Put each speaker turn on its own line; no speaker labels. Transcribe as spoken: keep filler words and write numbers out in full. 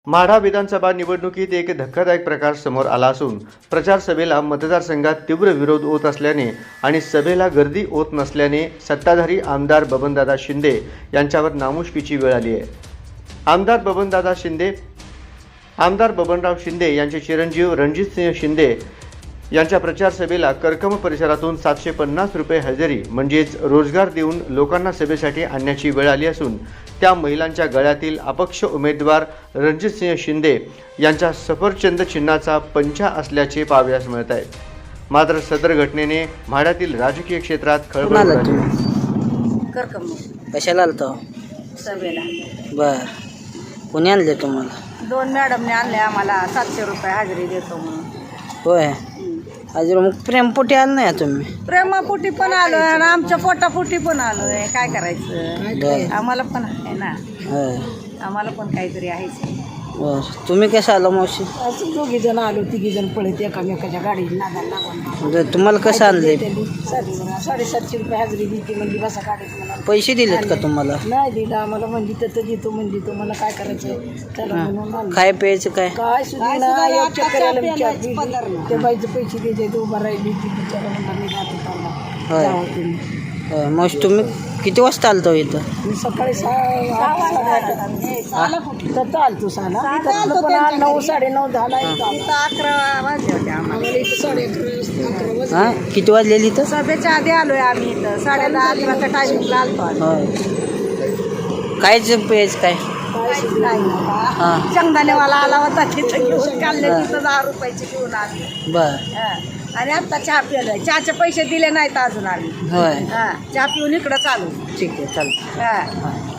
माढा विधानसभा निवडणुकीत एक धक्कादायक प्रकार समोर आला असून प्रचार सभेला मतदारसंघात तीव्र विरोध होत असल्याने आणि सभेला गर्दी होत नसल्याने सत्ताधारी आमदार बबनदादा शिंदे यांच्यावर नामुष्कीची वेळ आली आहे। आमदार बबनदादा शिंदे आमदार बबनराव शिंदे यांचे चिरंजीव रणजितसिंह शिंदे यांच्या प्रचार सभेला करकम परिसरातून सातशे पन्नास रुपये हजेरी म्हणजेच रोजगार देऊन लोकांना सभेसाठी आणण्याची वेळ आली असून त्या महिलांच्या गळ्यातील अपक्ष उमेदवार रणजितसिंह शिंदे यांच्या सफरचंद चिन्हाचा पंचा असल्याचे पाहावयास मिळत आहे। मात्र सदर घटनेने माढ्यातील राजकीय क्षेत्रात खळबळ उडाली।
करकम
कशाला आलतो
सभेला
बर कोणी आणले तुम्हाला?
दोन मॅडमने आणले आम्हाला सातशे रुपये हजेरी देतो म्हणून।
होय अजून मग प्रेमपोटी आलं नाही तुम्ही?
प्रेमापोटी पण आलोय आणि आमच्या पोटापोटी पण आलोय। काय करायचं, आम्हाला पण आहे ना,
होय
आम्हाला पण काहीतरी आहेच।
बर तुम्ही कसं आलं मावशी?
असं दोघी जण आलो, तिघी जण पळत एकामेकाच्या गाडीत नादाला लागून।
बरं, तुम्हाला कसं आणले?
साडेसातशे रुपये हजेरी दिली म्हणजे बसा गाडीत मला
पैसे दिलेत का तुम्हाला?
नाही दिला आम्हाला, म्हणजे तर देतो म्हणजे तो मला काय करायचं चला म्हणून आलो।
काय प्यायचं काय?
काय सुद्धा नाही, एक चक्कराला विचारली ते बाईचं पैसे द्यायचे, ते उभा राहिली ती बिचारा म्हणला मी जातो चालला
होय
जावं तुम्ही।
होय मावशी तुम्ही किती वाजता आलतो इथं?
मी सकाळी सहा तर चालतो सहाला, इथं पण नऊ साडे नऊ झाला, अकरा वाजले होते आम्हाला इथं, साडे अकरा वाजले।
हां किती वाजलेली इथं?
सभेच्या आधी आलोय आम्ही इथं, साडे दहा अकराच्या टायमिंगला आलतो आम्ही।
होय कायचं प्यायचं काय? हां
शेंगदाणेवाला आला होता, तिथं घेऊन काढले, तिथं दहा रुपयाचे घेऊन आले।
बर
आणि आता चहा पिलोय, चहाचे पैसे दिले नाहीत अजून आम्ही।
होय
हा चहा पिऊन इकडं चालू।
ठीक आहे चालतं।
हा